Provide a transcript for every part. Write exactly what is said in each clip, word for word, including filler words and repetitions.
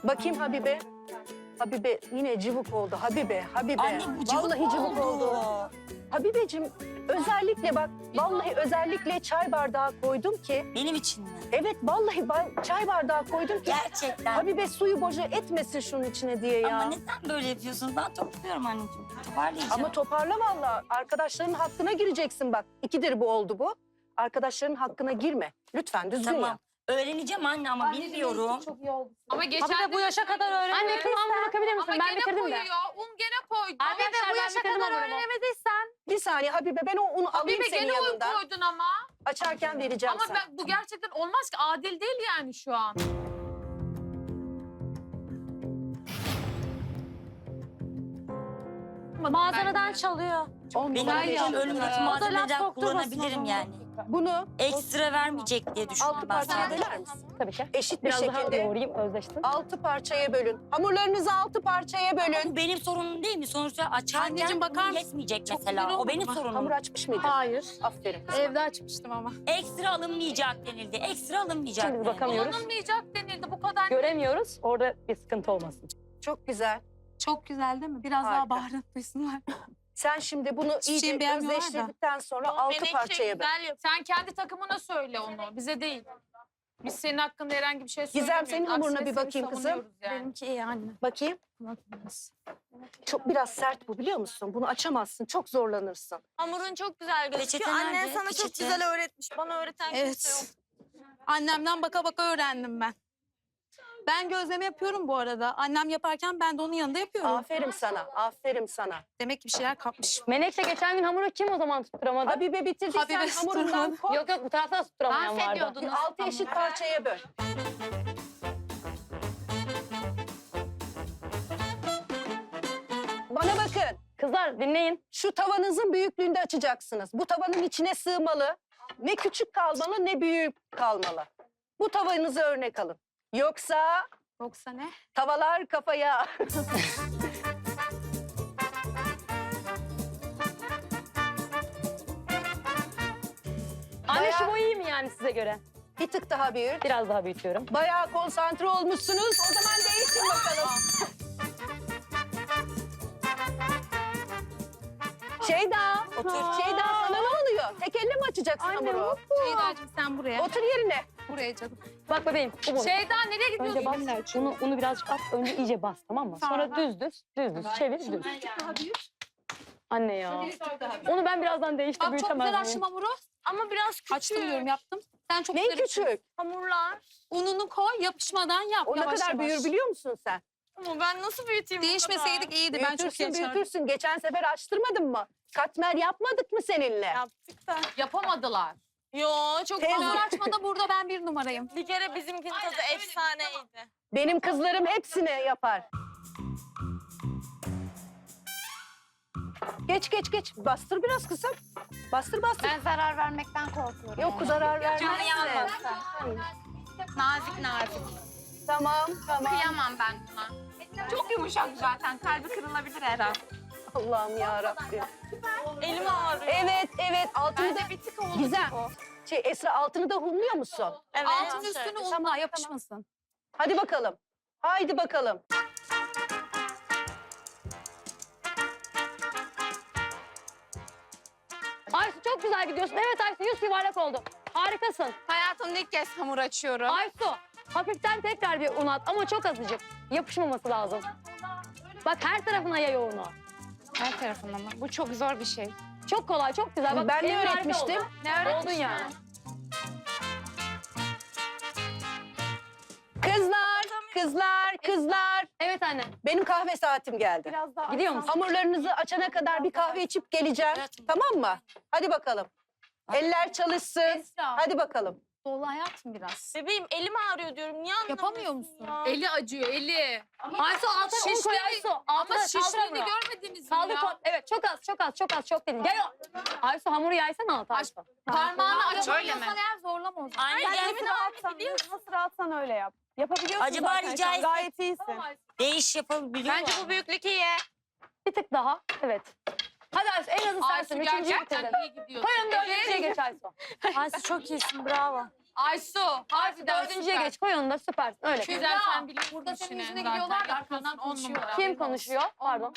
Bakayım Habibe. Habibe yine cıvık oldu. Habibe, Habibe. Anne bu cıvık Vallahi cıvık oldu. oldu. Habibeciğim özellikle bak, vallahi özellikle çay bardağı koydum ki. Benim için mi? Evet, vallahi ben çay bardağı koydum ki. Gerçekten. Habibe suyu boca etmesin şunun içine diye ya. Ama neden böyle yapıyorsunuz? Ben topluyorum anneciğim. Toparlayacağım. Ama toparla vallahi. Arkadaşların hakkına gireceksin bak. İkidir bu oldu bu. Arkadaşların hakkına girme. Lütfen düzgün Tamam. yap. Öğreneceğim anne ama bilmiyorum. Ama geçen Habibe bu yaşa kadar öğrenmiyorum. Anne kız Hamur bakabilir misin? Ama Ben gene bitirdim de. koyuyor. Un gene koydu. Arkadaşlar Habibe bu ben yaşa bitirdim kadar hamurumu. öğrenemediysen. Bir saniye Habibe, ben o unu alayım Habibe senin gene un yanından. koydun ama. Açarken vereceğim Ama sana. ben, bu gerçekten olmaz ki. Adil değil yani şu an. Mağazadan çalıyor. On Benim numara için beş önümdeki numara. laf malzemeden sokturmasın o kullanabilirim zaman. yani. Bunu Ekstra vermeyecek diye altı düşündüm ben parçaya sadece. böler misin? Tabii ki. Eşit bir Biraz daha şekilde yoğurayım, özleştim. altı parçaya bölün. Hamurlarınızı altı parçaya bölün. Bu benim sorunum değil mi? Sonuçta açarken Anneciğim, bakar un mısın? yetmeyecek Çok mesela. güzel O benim oldu mu? sorunum. Hamur açmış mıydın? Hayır. Aferin. Evde açmıştım ama. Ekstra alınmayacak denildi. Ekstra alınmayacak Şimdi denildi. bakamıyoruz. Kullanılmayacak denildi bu kadar. Göremiyoruz. Orada bir sıkıntı olmasın. Çok güzel. Çok güzel değil mi? Biraz Harika. daha baharatlısınlar. Sen şimdi bunu Hiçbir iyice şeyi beğenmiyorlar da. özleştirdikten sonra altı parçaya böl. Sen kendi takımına söyle onu. Bize değil. Biz senin hakkında herhangi bir şey Gizem, söylemiyoruz. senin hamuruna Aksine bir seni bakayım kızım. savunuyoruz yani. Benimki iyi anne. Bakayım. Çok biraz sert bu, biliyor musun? Bunu açamazsın. Çok zorlanırsın. Hamurun çok güzel gözüküyor. Peçete Annen nerede? sana çok Peçete. güzel öğretmiş. Bana öğreten kimse yok. Evet. Annemden baka baka öğrendim ben. Ben gözleme yapıyorum bu arada. Annem yaparken ben de onun yanında yapıyorum. Aferin sana. Aferin sana. Demek ki bir şeyler kapmış. Menekşe geçen gün hamuru kim o zaman tutturamadı? Habibe bitirdiysen Habibe hamurundan tutturmadı. koy. Yok yok bu tarafta da tutturamayan vardı. Bahsediyordunuz. Altı eşit parçaya böl. Bana bakın. Kızlar dinleyin. Şu tavanızın büyüklüğünde açacaksınız. Bu tavanın içine sığmalı. Ne küçük kalmalı ne büyük kalmalı. Bu tavanızı örnek alın. Yoksa Yoksa ne? tavalar kafaya. Anne Bayağı- şu boyu iyi mi yani size göre? Bir tık daha büyük. Biraz daha büyütüyorum. Bayağı konsantre olmuşsunuz. O zaman değişin bakalım. Şeyda, Otur. Şeyda sana ne oluyor? Tek elle mi açacaksın hamuru? Şeydacığım sen buraya. Otur yerine. Buraya canım. Bak bebeğim bu bu. Şeyda nereye gidiyorsun? Önce bas, unu, unu birazcık at, önce iyice bas tamam mı? Sonra düz düz, düz düz, çevir düz. Daha büyük. Anne ya. Onu ben birazdan değiştir, Bak çok büyütemez güzel miyim? açtım hamuru. Ama biraz küçük. Açtım diyorum yaptım. Sen çok Ne güzel açtın. küçük? Hamurlar. Ununu koy yapışmadan yap. O ne yavaş kadar yavaş. büyür biliyor musun sen? Ama ben nasıl büyüteyim bu Değişmeseydik iyiydi. Ben çok Büyütürsün, yaşardım. büyütürsün. Geçen sefer açtırmadın mı? Katmer yapmadık mı seninle? kadar? Yaptık da. Yapamadılar. Yo çok Teyze- Hamur hamur. açmada burada ben bir numarayım. Bir kere bizimkinin tadı efsaneydi. Benim kızlarım hepsini yapar. Geç geç geç. Bastır biraz kızım. Bastır bastır. Ben zarar vermekten korkuyorum. Yok zarar Canı vermezsin. yanmasın. Nazik nazik. Tamam tamam. Kıyamam ben buna. Çok yumuşak zaten. Kalbi kırılabilir her an. Allah'ım ya Rabbim. Elim ağrıyor. Evet evet altını da Bence bir tık oldu. Gizem. Şey Esra altını da humluyor musun? Evet. Altın üstünü unla yapışmasın. Hadi bakalım. Haydi bakalım. Aysu çok güzel gidiyorsun. Evet Aysu yüz yuvarlak oldu. Harikasın. Hayatımda ilk kez hamur açıyorum. Aysu hafiften tekrar bir un at ama çok azıcık. Yapışmaması lazım. Bak her tarafına yay o unu. Her tarafından mı? Bu çok zor bir şey. Çok kolay, çok güzel. Bak, Ben ne elin harika öğretmiştim? oldu. Ne Oldun yani. Kızlar, kızlar, kızlar. Evet anne. Benim kahve saatim geldi. Biraz daha Gidiyor musun? Hamurlarınızı açana kadar bir kahve içip geleceğim. Tamam mı? Hadi bakalım. Eller çalışsın. Esra. Hadi bakalım. dolu hayatım biraz. Bebeğim elim ağrıyor diyorum. Niye anlamıyorsun Yapamıyor musun? ya? Eli acıyor eli. Aysu altına un koy Aysu. Ama Altına kaldır şişliğini hamuru. görmediniz mi Kaldır ya? koy. Evet çok az, çok az, çok az, çok değil. Gel o. Aysu hamuru yaysana alt Aysu. Parmağını aç öyle mi? Yapamıyorsan eğer zorlama o zaman. Anne gel. Nasıl rahatsan öyle yap. Yapabiliyorsun Acaba zaten. rica sen etsek- Gayet iyisin. Değiş yapabiliyor Bence bu büyüklük iyi. Bir tık daha. Evet. Hadi Aysu en azı sensin. Aysu Üçüncüyü gerçekten bitirdin. iyi gidiyorsun. Koyun dördüncüye geç Aysu. Aysu çok iyisin bravo. Aysu. Harbiden Dördüncüye süper. geç koy onu da süpersin. Öyle. Güzel sen biliyorsun Burada senin işini yüzüne zaten. gülüyorlar da Yapıyorsun, arkandan on konuşuyorlar. numara. Kim konuşuyor? Pardon.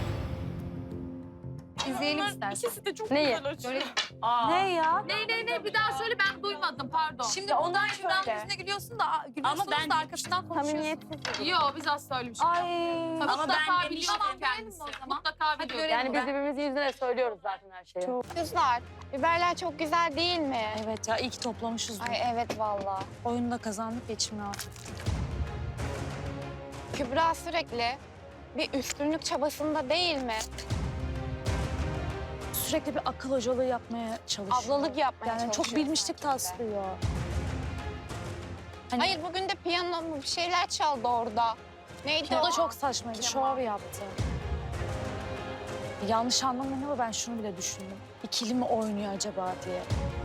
İzleyelim istersen. İkisi de çok Neyi? güzel açıyor. Böyle Ne ya? Ne ne ne bir daha söyle ben duymadım pardon. Şimdi ondan Kübra'nın söyle. yüzüne gülüyorsun da gülüyorsunuz Ama ben da arkasından konuşuyorsun. Samimiyetsiz. Yok biz asla öyle bir şey Ay. yapmadık. Ama Mutlaka ben biliyor demiştim. kendisi. Mutlaka biliyor. görelim. Yani biz birbirimizin yüzüne söylüyoruz zaten her şeyi. Kızlar, biberler çok güzel değil mi? Evet ya iyi ki toplamışız bunu. Ay evet vallahi. Oyunda kazandık geçim rahat. Kübra sürekli bir üstünlük çabasında değil mi? Sürekli bir akıl hocalığı yapmaya çalışıyor. Ablalık yapmaya Yani çok çalışıyor bilmişlik sanki de. taslıyor. Hani Hayır bugün de piyano mu bir şeyler çaldı orada. Neydi o o? da çok saçmaydı. Şov yaptı. Yanlış anlamayın ama ben şunu bile düşündüm. İkili mi oynuyor acaba diye.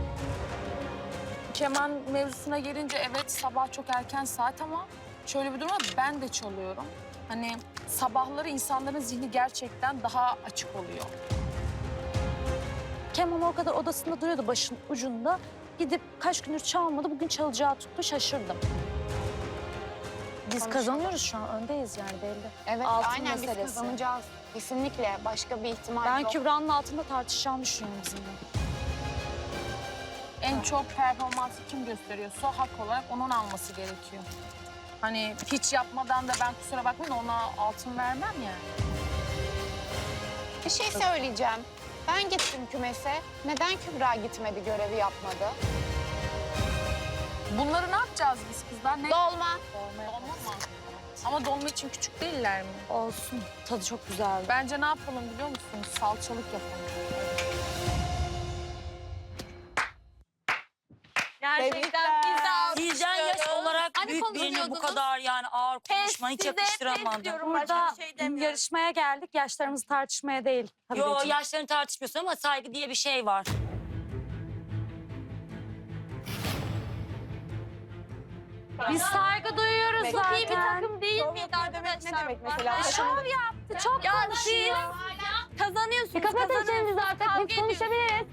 Keman mevzusuna gelince evet sabah çok erken saat ama şöyle bir durum var, ben de çalıyorum. Hani sabahları insanların zihni gerçekten daha açık oluyor. Kemal o kadar odasında duruyordu başın ucunda. Gidip kaç gündür çalmadı. Bugün çalacağı tuttu. Şaşırdım. Biz Konuşalım. kazanıyoruz şu an. Öndeyiz yani belli. Evet Altın aynen biz meselesi. kazanacağız. Kesinlikle başka bir ihtimal Ben yok. Kübra'nın altında tartışacağını düşünüyorum bizimle. En çok performansı kim gösteriyorsa hak olarak onun alması gerekiyor. Hani hiç yapmadan da ben kusura bakmayın ona altın vermem yani. Bir şey söyleyeceğim. Ben gittim kümese. Neden Kübra gitmedi, görevi yapmadı? Bunları ne yapacağız biz kızlar? Ne? Dolma. Dolma mı? Ama dolma için küçük değiller mi? Olsun. Tadı çok güzeldi. Bence ne yapalım biliyor musunuz? Salçalık yapalım. Gerçekten biz Sizden yaş olarak Hani büyük birini bu konuşuyordunuz? kadar yani ağır konuşma hiç yakıştıramadım. Burada yarışmaya geldik. Yaşlarımızı tartışmaya değil. Tabii Yo ki. yaşlarını tartışmıyorsun ama saygı diye bir şey var. Biz saygı duyuyoruz Çok zaten. iyi bir takım değil miydi arkadaşlar? Ne demek mesela? Şov yaptı, çok konuşuyor. Kazanıyorsunuz. Bir kapatın çenenizi zaten, Kavga biz konuşabiliriz.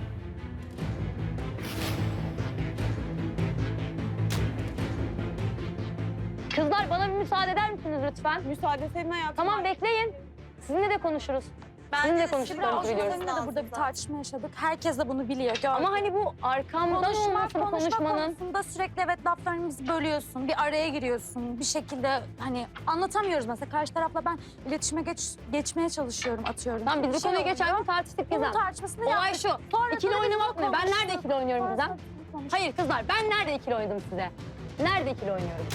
Kızlar bana bir müsaade eder misiniz lütfen? Müsaade senin hayatın. Tamam bekleyin. Sizinle de konuşuruz. Sizinle konuştuklarımızı biliyoruz. Seninle de burada bir tartışma yaşadık. Herkes de bunu biliyor. Gördüm. Ama hani bu arkamdan konuşma, olması bu konuşma konuşmanın. konusunda sürekli evet laflarımızı bölüyorsun. Bir araya giriyorsun. Bir şekilde hani anlatamıyoruz mesela. Karşı tarafla ben iletişime geç, geçmeye çalışıyorum, atıyorum. Tamam biz Bir bu şey konuyu oluyor. geçen gün tartıştık Bunun Gizem. tartışmasını Olay yaptık. şu. Sonra İkili böyle oynamak biz ne? Ben konuştuk. nerede ikili oynuyorum Gizem? Sonra konuştuk. Hayır kızlar ben nerede ikili oynadım size? Nerede ikili oynuyorum?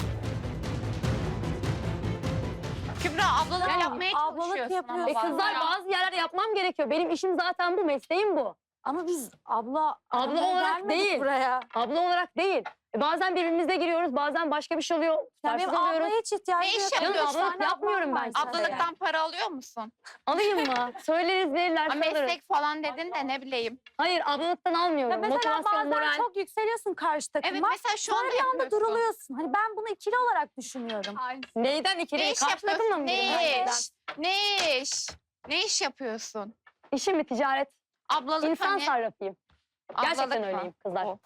Kübra ablalık Yani yapmaya ablalık çalışıyorsun yapıyorsun. ama E bazen. kızlar bazı yerler yapmam gerekiyor. Benim işim zaten bu, mesleğim bu. Ama biz abla... Abla aramaya olarak gelmedik değil. buraya. Abla olarak değil. E bazen birbirimize giriyoruz, bazen başka bir şey oluyor. Ya Tutarsız benim oluyoruz. ablaya hiç ihtiyacım Ne iş yok. Canım, yapıyorsun? Üç ablalık tane yapmıyorum ablam ben var size. işte. Ablalıktan para alıyor musun? Alayım mı? Söyleriz verirler Ha, alırız. meslek falan dedin de ne bileyim. Hayır ablalıktan almıyorum. Ya mesela Motivasyon, bazen moral. çok yükseliyorsun karşı takıma. Evet mesela şu Sonra anda bir anda yapıyorsun. duruluyorsun. Hani ben bunu ikili olarak düşünüyorum. Neyden ikili? Ne iş Karşı takımla yapıyorsun? mı? Ne gireyim? iş? Ne iş? Ne iş yapıyorsun? İşim mi? Ticaret. Ablalık İnsan hani. sarrafıyım. Gerçekten Ablalık mı? öyleyim kızlar. O.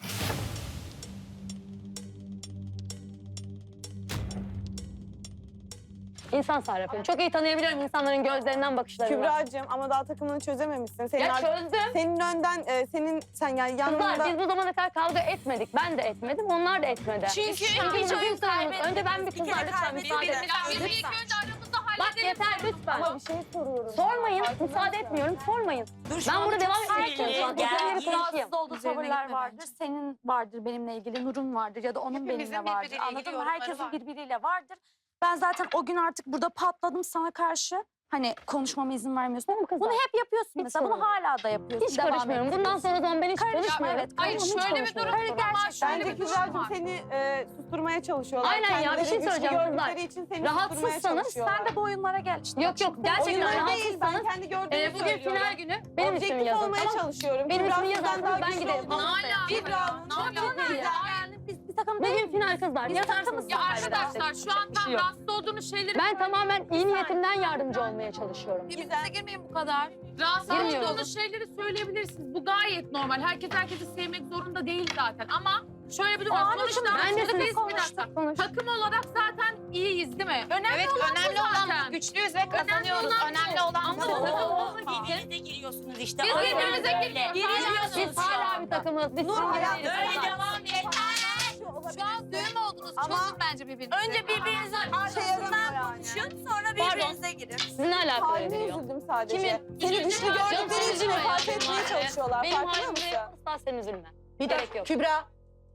İnsan sarrafıyım. Çok iyi tanıyabiliyorum insanların gözlerinden, bakışlarından. Kübra'cığım ama daha takımını çözememişsin. Senin, Ya ar- çözdüm. senin önden, e, senin sen yani yanında... Kızlar biz bu zamana kadar kavga etmedik. Ben de etmedim, onlar da etmedi. Çünkü Çünkü hiç bizim oyun sorunumuz. Önce ben bir kızlar lütfen müsaade edin. Ya biz ilk önce aramızda Bak halledelim. yeter lütfen. Ama bir şey soruyorum. Sormayın, müsaade etmiyorum, sormayın. Ben burada devam etmek istiyorum. Şu an Gel, üzerine gel. konuşayım. Rahatsız olduğu Üzerine tavırlar gitme vardır. bence. Senin vardır benimle ilgili, Nur'un vardır ya da onun Hepimizin benimle vardır. birbiriyle ilgili Anladın mı? yorumları Herkesin var. birbiriyle vardır. Ben zaten o gün artık burada patladım sana karşı. Hani konuşmama izin vermiyorsun. Tamam kızlar. Bunu hep yapıyorsun Hiç mesela. Bunu sorun hala da yapıyorsun. Hiç devam karışmıyorum. Bundan ettiriyorsun. sonra o zaman ben hiç Karışma, konuşmuyorum. evet, Hayır karışma, hiç şöyle bir konuşmuyorum. durum Hayır, var. gerçekten. Şöyle Bence bir durum Kübra'cığım var. seni e, susturmaya çalışıyorlar. Aynen ya, bir Kendileri şey güçlü söyleyeceğim kızlar. gördükleri için seni susturmaya Rahatsızsanız çalışıyorlar. Sen de bu oyunlara gel. İşte Yok yok gerçekten Oyunlar değil, ben rahatsızsanız. kendi gördüğümü E, bugün söylüyorum. final günü benim ismimi Objektif yazın. olmaya Tamam. çalışıyorum. Benim Kübra ismimi sizden yazarsanız daha ben güçlü giderim. olduğunu- Ne ala? Kübra'nın Ne çok ala? iyi. Yani biz bir takım takım değil. Bugün final kızlar. Biz Yatarsınız. takımız Ya kaybederseniz. arkadaşlar şu an Bir şey tam yok. rahatsız olduğunuz şeyleri... Ben tamamen iyi niyetimden yardımcı olmaya çalışıyorum. Birbirinize girmeyin bu kadar. Rahatsız Girmiyorum. olduğunuz şeyleri söyleyebilirsiniz. Bu gayet normal. Herkes herkesi sevmek zorunda değil zaten. Ama şöyle bir durum var. Sonuçta Ben de biz sizinle bir konuştuk. dakika. Konuş. Takım olarak zaten iyiyiz değil mi? Önemli Evet olan önemli bu olan zaten. bu. Güçlüyüz ve kazanıyoruz. olan bu. Önemli olan Ama bu. takım- Birbirinize giriyorsunuz işte. Biz Aynen birbirimize öyle. giriyoruz. Giriyorsunuz Biz şu hala bir anda. takımız. Biz Nur, sizin hayatım, değiliz. Böyle devam et. Şu an düğüm oldunuz. Ama- Çözün bence birbirinizi. Önce birbirinize şey yaramıyor arkasından yani. konuşun, sonra birbirinize girin. Sizin alakalı Haline veriyor. üzüldüm sadece. Kimin? Seni Kimin? güçlü Canım, gördükleri sen için üzülme fark ya. etmeye Benim çalışıyorlar. Benim Farkında halimde mısın? asla sen üzülme. Bir Gerek dakika yok. Kübra.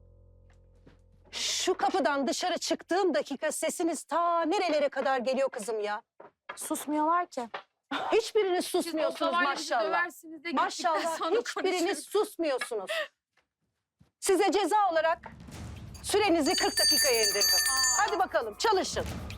Şu kapıdan dışarı çıktığım dakika sesiniz ta nerelere kadar geliyor kızım ya. Susmuyorlar ki. Hiçbiriniz Siz o susmuyorsunuz tavayla bizi maşallah. döversiniz de gittikten Maşallah sonra hiçbiriniz konuşuruz. susmuyorsunuz. Size ceza olarak sürenizi kırk dakikaya indirdim. Hadi bakalım çalışın.